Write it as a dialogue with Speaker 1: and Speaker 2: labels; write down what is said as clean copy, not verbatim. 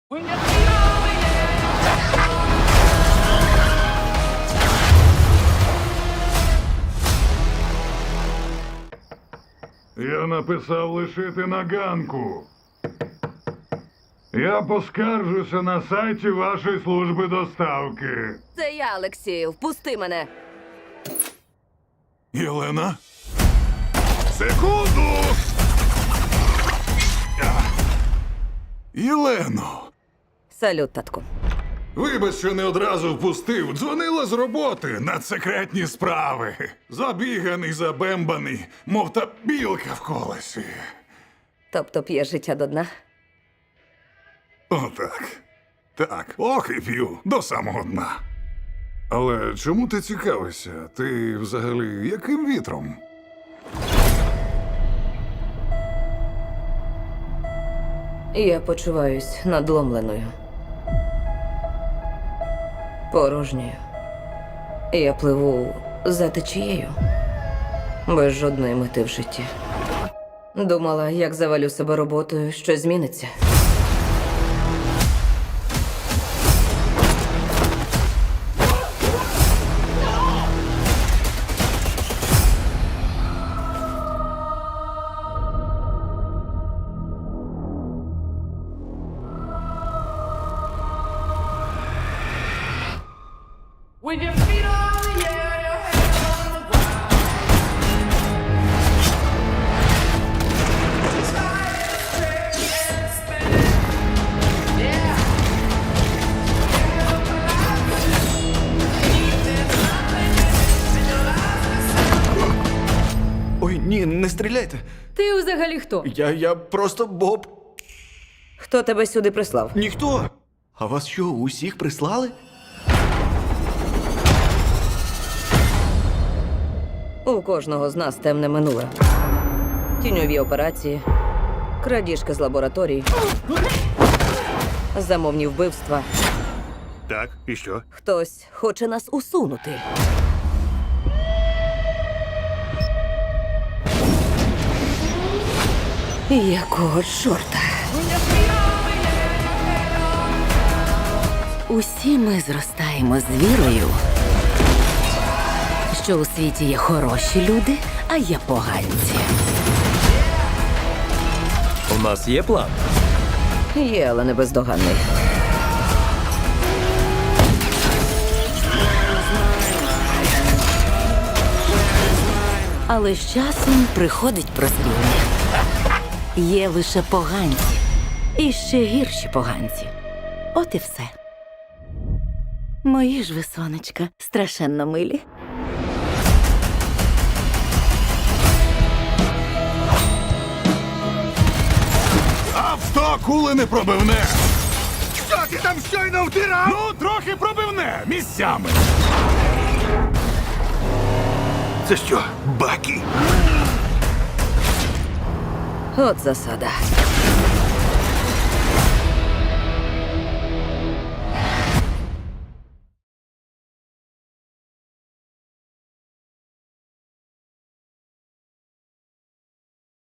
Speaker 1: Я написав лишити на ганку. Я поскаржуся на сайті вашої служби доставки.
Speaker 2: Це я, Олексію. Впусти мене.
Speaker 1: Єлена? Секунду! Єлено!
Speaker 2: Салют, татку.
Speaker 1: Вибач, що не одразу впустив. Дзвонила з роботи на секретні справи. Забіганий, забембаний, мов та білка в колесі.
Speaker 2: Тобто п'є життя до дна?
Speaker 1: Отак. Так, ох і п'ю до самого дна. Але чому ти цікавишся? Ти взагалі яким вітром?
Speaker 2: Я почуваюсь надломленою. Порожньою. Я пливу за течією. Без жодної мети в житті. Думала, як завалю себе роботою, що зміниться.
Speaker 3: When your feet are in the air, your head on the ground. Try to stretch and spin. Yeah. There's nothing in your life.
Speaker 4: Ой, ні, не стріляйте.
Speaker 2: Ти взагалі хто?
Speaker 4: Я просто Боб.
Speaker 2: Хто тебе сюди прислав?
Speaker 4: Ніхто. А вас що, усіх прислали?
Speaker 2: У кожного з нас темне минуле. Тіньові операції, крадіжки з лабораторій, замовні вбивства.
Speaker 5: Так, і що?
Speaker 2: Хтось хоче нас усунути. Якого чорта?
Speaker 6: Усі ми зростаємо з вірою, що у світі є хороші люди, а є поганці.
Speaker 7: У нас є план.
Speaker 2: Є, але не бездоганний.
Speaker 6: Але з часом приходить прозріння. Є лише поганці. І ще гірші поганці. От і все. Мої ж ви, сонечка, страшенно милі.
Speaker 1: Авто кули не пробивне!
Speaker 5: Що ти там щойно втирав?
Speaker 1: Ну, трохи пробивне місцями.
Speaker 5: Це що, баки?
Speaker 2: От засада.